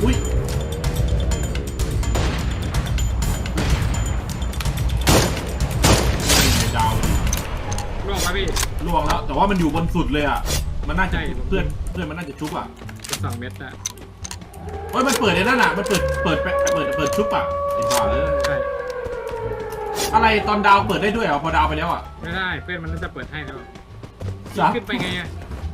อุ้ยดาวล่วงมาพี่ล่วงแล้วแต่ว่ามันอยู่บนสุดเลยอ่ะมันน่าจะเพื่อนมันน่าจะชุบอ่ะเป็น2 เม็ดอะเฮ้ยมันเปิดในนั่นอ่ะมันเปิดชุบอ่ะไอ้บ้าเลยใช่อะไรตอนดาวเปิดได้ด้วยเหรอพอดาวไปแล้วอ่ะไม่ได้เพื่อนมันน่าจะเปิดให้แล้วขึ้นไปไงอะ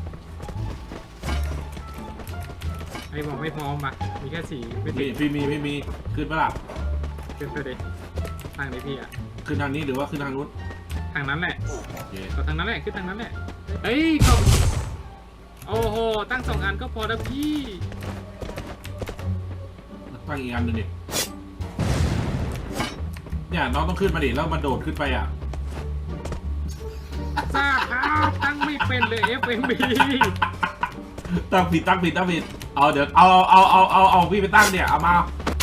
ไอ้บอกไม่พร้อมปะมีแค่4ไม่ติดไม่มีขึ้นปะล่ะขึ้นไปดิทางไหนพี่อะขึ้นทางนี้หรือว่าขึ้นทางนู้นทางนั้นแหละโอเคก็ทางนั้นแหละขึ้นทางนั้นแหละเฮ้ยเขาโอ้โหตั้ง2 อันก็พอแล้วพี่ตั้งอีกอันหนึ่งดิเนี่ยน้องต้องขึ้นมาดิแล้วมันโดดขึ้นไปอ่ะทราบครับตั้งไม่เป็นเลย FMB ตั้งผิดเอาเดี๋ยวเอาพี่ไปตั้งเนี่ยเอามา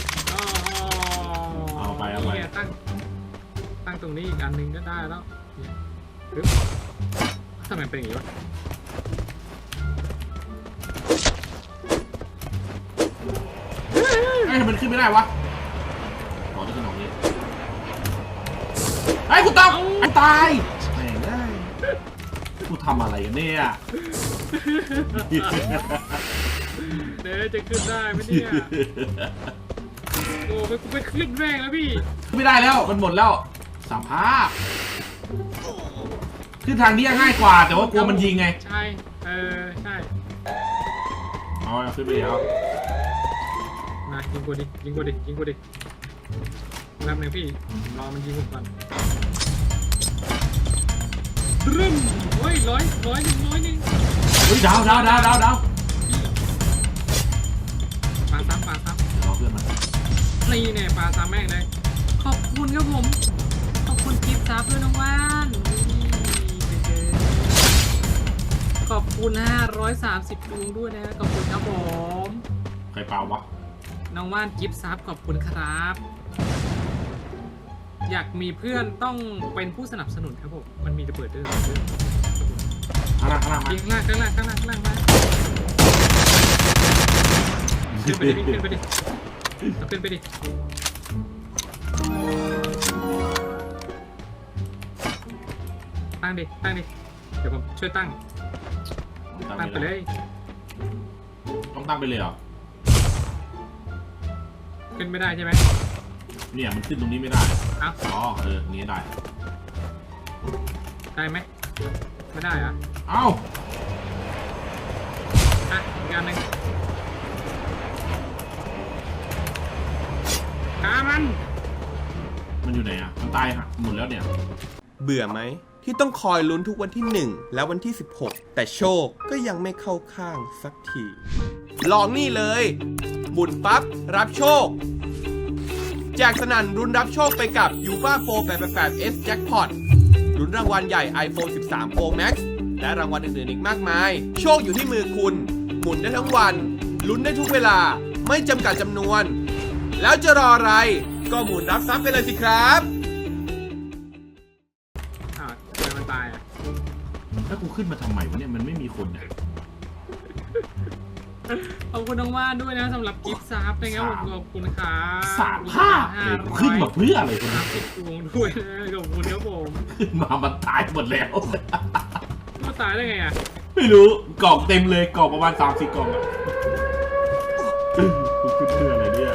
เอาไปตั้งตรงนี้อีกอันหนึ่งก็ได้แล้วเนี่ยทำไมเป็นอย่างนี้วะไอ้มันขึ้นไม่ได้วะขอที่ขึ้นตรงนี้ไอ้กูตายตายแม่งได้กูทำอะไรกันเนี่ยเดี๋ยวจะขึ้นได้ไหมเนี่ยโอ้ไปกูไปขึ้นแรงแล้วพี่ไม่ได้แล้วมันหมดแล้วสภาพคือทางนี้ง่ายกว่าแต่ว่ากลัวมันยิงไงใช่ใช่เอาขึ้นไปแล้วมายิงกูดิแป๊บนึงพี่รอมันยิงกูก่อนรึมโอ้ยร้อยหนึ่งเฮ้ยดาวปาซ้ำรอเพื่อนมานี่เนี่ยปาซ้ำแม่งเลยขอบคุณครับผมขอบคุณกิฟต์ซับด้วยน้องว่านขอบคุณ530 ดวงด้วยนะขอบคุณครับผมใครเปล่าวะน้องว่านกิฟต์ซับขอบคุณครับอยากมีเพื่อนต้องเป็นผู้สนับสนุนครับผมมันมีระเบิดด้วยข้างล่างมายิงข้างล่างมาขึ้นไปดิตั้งดิเดี๋ยวผมช่วยตั้งไปเลยต้องตั้งไปเลยเหรอขึ้นไม่ได้ใช่ไหมเนี่ยมันขึ้นตรงนี้ไม่ได้อ๋อนี้ได้ไหมไม่ได้อะเอ้าอีกอันหนึ่งฆ่ามันอยู่ไหนอ่ะมันตายหมดแล้วเนี่ยเบื่อไหมที่ต้องคอยลุ้นทุกวันที่1และวันที่16แต่โชคก็ยังไม่เข้าข้างสักทีลองนี่เลยหมุนปั๊บรับโชคแจกสนั่นรุนรับโชคไปกับ UFA 488S Jackpot ลุ้นรางวัลใหญ่ iPhone 13 Pro Max และรางวัลอื่นๆอีกมากมายโชคอยู่ที่มือคุณหมุนได้ทั้งวันลุ้นได้ทุกเวลาไม่จำกัดจำนวนแล้วจะรออะไรก็หมุนรับทรัพย์ไปเลยสิครับมันตายอ่ะแล้วกูขึ้นมาทำไมวะเนี่ยมันไม่มีคนเนี่ยขอบคุณน้องว่านด้วยนะสำหรับกิฟต์ซับนะครับผมขอบคุณครับสามภาพขึ้นมาเพื่ออะไรคุณนะติดดวงด้วยนะขอบคุณครับผมขึ้นมามันตายหมดแล้วมันตายได้ไงอ่ะไม่รู้กล่องเต็มเลยกล่องประมาณ3-4 กล่องอ่ะขึ้นเพื่ออะไรเนี่ย